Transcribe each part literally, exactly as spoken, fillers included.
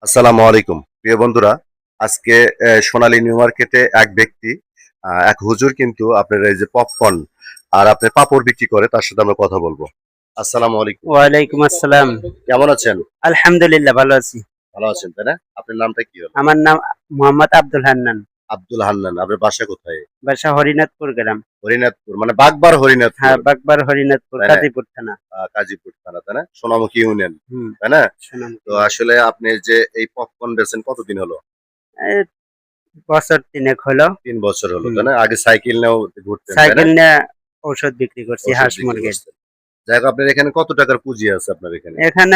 আসসালামু আলাইকুম প্রিয় বন্ধুরা। আজকে আহ, সোনালী নিউ মার্কেটে এক ব্যক্তি আহ, এক হুজুর কিন্তু আপনার এই যে পপকর্ন আর আপনার পাপড় বিক্রি করে, তার সাথে আমরা কথা বলবো। আসসালামু আলাইকুম। ওয়ালাইকুম আসসালাম। কেমন আছেন? আলহামদুলিল্লাহ ভালো আছি। ভালো আছেন তাই না? আপনার নামটা কি হলো? আমার নাম মোহাম্মদ আব্দুল হান্নান। আব্দুল হান্নান। আপনার বাসা কোথায়? বাসা হরিনাথপুর গ্রাম। হরিনাথপুর, মানে বাগবার হরিনাথপুর হ্যাঁ, বাগবার হরিনাথপুর, তাই না? কাজীপুর থানা। আহ, কাজীপুর থানা তাই না? সোনামুখী ইউনিয়ন হুম, তাই না? তো সোনামুখী। আসলে আপনি যে এই পপকর্ন বেচেন কতদিন হলো? এই বছর তিনেক হলো। তিন বছর হলো হুম, তাই না? আগে সাইকেল নিয়েও ঘুরতেন তাই না? সাইকেল নিয়ে ঔষধ বিক্রি করছি, ওষুধ হাঁস বিক্রি মুরগির। করছেন। যাই হোক, আপনার এখানে কত টাকার পুঁজি আছে আপনার এখানে? এখানে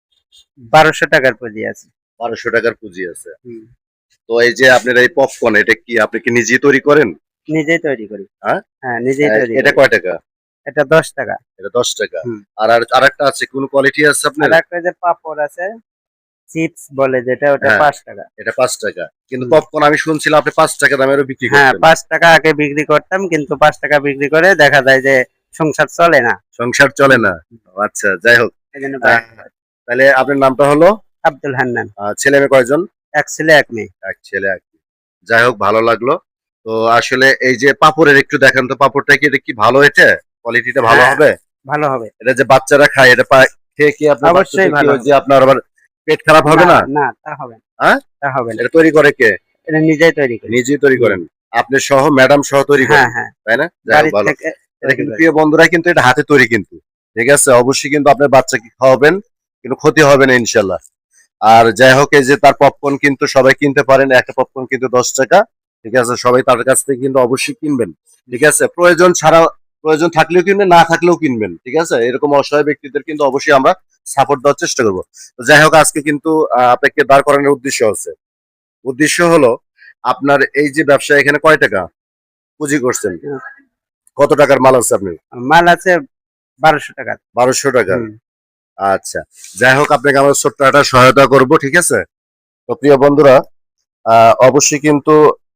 বারোশো টাকার পুঁজি আছে। বারোশো টাকার পুঁজি আছে। হুম, তো এই যে আপনার এই পপকর্ন, এটা কি আপনি কি নিজেই তৈরি করেন? নিজেই তৈরি করি। হ্যাঁ। হ্যাঁ, নিজেই আহ, তৈরি এটা করি। কয় টাকা? এটা দশ টাকা। এটা দশ টাকা। হুম। আর আর আরেকটা আছে, কোন কোয়ালিটি আছে আপনার? আর একটা যে পাপড় আছে, চিপস বলে যেটা, ওটা হ্যাঁ, পাঁচ টাকা। এটা পাঁচ টাকা। কিন্তু হুম। পপকর্ন আমি শুনছিলাম আপনি পাঁচ টাকা দামেরও বিক্রি হ্যাঁ, করতেন। পাঁচ টাকা আগে বিক্রি করতাম, কিন্তু পাঁচ টাকা বিক্রি করে দেখা যায় যে সংসার চলে না। সংসার চলে হুম, না। ও আচ্ছা, যাই হোক। এই জন্য আহ, বাইরে হয়। তাহলে আপনার নামটা হলো? আব্দুল হান্নান। আহ, ছেলে মেয়ে কয়জন? এক ছেলে এক মেয়ে। এক ছেলে এক মেয়ে। যাই হোক, ভালো লাগলো। তো আসলে এই যে পাপড়ের একটু দেখেন তো, পাপড়টা কি এটা কি ভালো, এটা কোয়ালিটিটা ভালো হ্যাঁ, হবে? ভালো হবে। এটা যে বাচ্চারা খায়, এটা পা- খেয়ে কি আপনার অবশ্যই বাচ্চাদের কি ভালো ওই হবে। যে আপনার আবার পেট খারাপ হবে না, না? না, তা হবে না। হ্যাঁ। তা হবে না। এটা তৈরি করে কে? এটা নিজেই তৈরি করি। নিজেই তৈরি হুম। করেন? আপনি সহ, ম্যাডাম সহ তৈরি হ্যাঁ, করেন হ্যাঁ। তাই না? যাই হোক, বাড়ির ভালো। থেকে এটা তৈরি কিন্তু করি। প্রিয় বন্ধুরা, কিন্তু এটা হাতে তৈরি কিন্তু। ঠিক আছে, অবশ্যই কিন্তু আপনার বাচ্চাকে খাওয়াবেন, কিন্তু ক্ষতি হবে না ইনশাল্লাহ। আর যাই হোক, এই যে তার পপকর্ন কিন্তু সবাই কিনতে পারেন, একটা পপকর্ন কিন্তু দশ টাকা। ঠিক আছে, সবাই তার কাছ থেকে কিন্তু অবশ্যই কিনবেন। ঠিক আছে, প্রয়োজন ছাড়া, প্রয়োজন থাকলেও কিনবেন, না থাকলেও কিনবেন। ঠিক আছে, এরকম অসহায় ব্যক্তিদের কিন্তু অবশ্যই আমরা সাপোর্ট দেওয়ার চেষ্টা করবো। তো যাই হোক, আজকে কিন্তু আহ, আপনাকে দাঁড় করানোর উদ্দেশ্য আছে। উদ্দেশ্য হলো, আপনার এই যে ব্যবসা, এখানে কয় টাকা পুঁজি করছেন? হুম। কত টাকার মাল আছে আপনি? মাল আছে বারোশো টাকার। বারোশো টাকার। হুম। আচ্ছা, যাই হোক, আপনাকে আমরা ছোট্ট একটা সহায়তা করব। ঠিক আছে। তো প্রিয় বন্ধুরা, আহ, অবশ্যই কিন্তু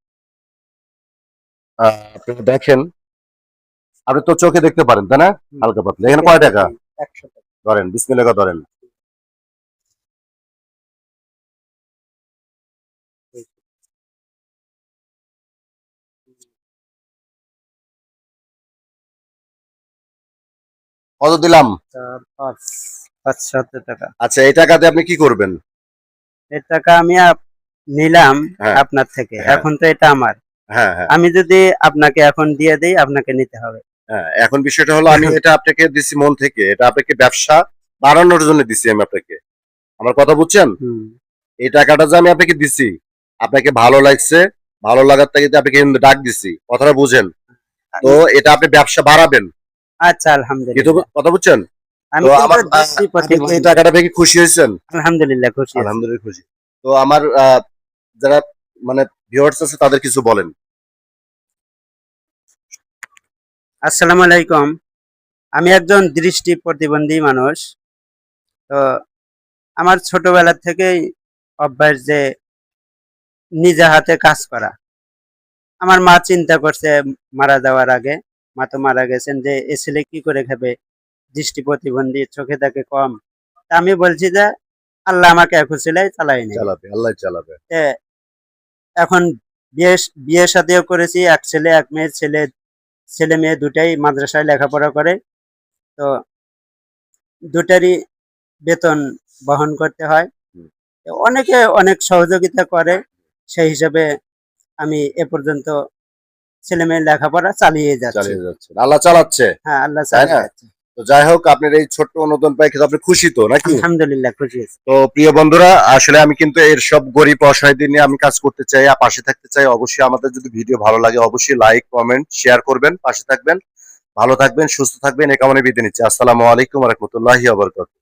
আহ, আপনি দেখেন, আপনি তো চোখে দেখতে পারেন তাই না? হুম। হালকা পাতলা। এখানে চোখে কয় টাকা? দেখি একশো টাকা। ধরেন, বিসমিল্লাহ ধরেন। কত দিলাম? চার, পাঁচ, পাঁচ সত্তর টাকা। আচ্ছা, এই টাকাতে আপনি কি করবেন? এই টাকা আমি আপ- নিলাম হ্যাঁ, আপনার থেকে। হ্যাঁ, এখন তো এটা আমার। হ্যাঁ, হ্যাঁ, আমি যদি আপনাকে এখন দিয়ে দেই, আপনাকে নিতে হবে। হ্যাঁ। এখন বিষয়টা হলো, আমি এটা আপনাকে দিছি মন থেকে, এটা আপনাকে ব্যবসা বাড়ানোর জন্য দিছি আমি আপনাকে। আমার কথা বুঝছেন? হুম। এই টাকাটা যে আমি আপনাকে দিছি, আপনাকে ভালো লাগছে, ভালো লাগার থেকে আপনাকে কিন্তু ডাক দিছি, কথাটা বুঝেন। তো এটা আপনি ব্যবসা বাড়াবেন, আচ্ছা, কিন্তু আলহামদুলিল্লাহ। কথা বুঝছেন? তো আমি কিন্তু আমার আহ, দিচ্ছি আপনি কি এই প্রতিবন্ধী। টাকাটা পেয়ে কি খুশি হয়েছেন? আলহামদুলিল্লাহ খুশি আছি। আলহামদুলিল্লাহ খুশি। তো আমার আহ, যারা মানে ভিউয়ার্স আছে, তাদের কিছু বলেন। আসসালামু আলাইকুম। আমি একজন দৃষ্টি প্রতিবন্ধী মানুষ। তো আমার ছোটবেলা থেকেই অভ্যাস যে নিজে হাতে কাজ করা। আমার মা চিন্তা করছে মারা যাওয়ার আগে, মা তো মারা গেছেন, যে এ ছেলে কি করে খাবে, দৃষ্টি প্রতিবন্ধী, চোখে দেখে কম। তা আমি বলছি যে আল্লাহ আমাকে এক ছেলে চালাই নেবে। চালাবে, আল্লাহ চালাবে। তে এখন বিয়ে বিয়ে শাদিও করেছি, এক ছেলে এক মেয়ে। ছেলে ছেলে মেয়ে দুটাই মাদ্রাসায় লেখাপড়া করে। তো দুটারই বেতন বহন করতে হয়। হুম। অনেকে অনেক সহযোগিতা করে, সেই হিসাবে আমি এ পর্যন্ত ছেলে মেয়ের লেখাপড়া চালিয়ে যাচ্ছি। চালিয়ে যাচ্ছে, আল্লাহ চালাচ্ছে হ্যাঁ, আল্লাহ তাই চালিয়ে না? যাচ্ছে। তো যাই হোক, আপনার এই ছোট্ট অনুদান পাই কিন্তু আপনি খুশি তো নাকি? আলহামদুলিল্লাহ খুশি আছি। তো প্রিয় বন্ধুরা, আসলে আমি কিন্তু এর সব গরিব অসহায়দের নিয়ে আমি কাজ করতে চাই আর পাশে থাকতে চাই। অবশ্যই আমাদের যদি ভিডিও ভালো লাগে, অবশ্যই লাইক কমেন্ট শেয়ার করবেন, পাশে থাকবেন। ভালো থাকবেন, সুস্থ থাকবেন, এ কামনে বিদায় নিচ্ছি। আসসালামু আলাইকুম ওয়া রাহমাতুল্লাহি ওয়া বারাকাতুহু।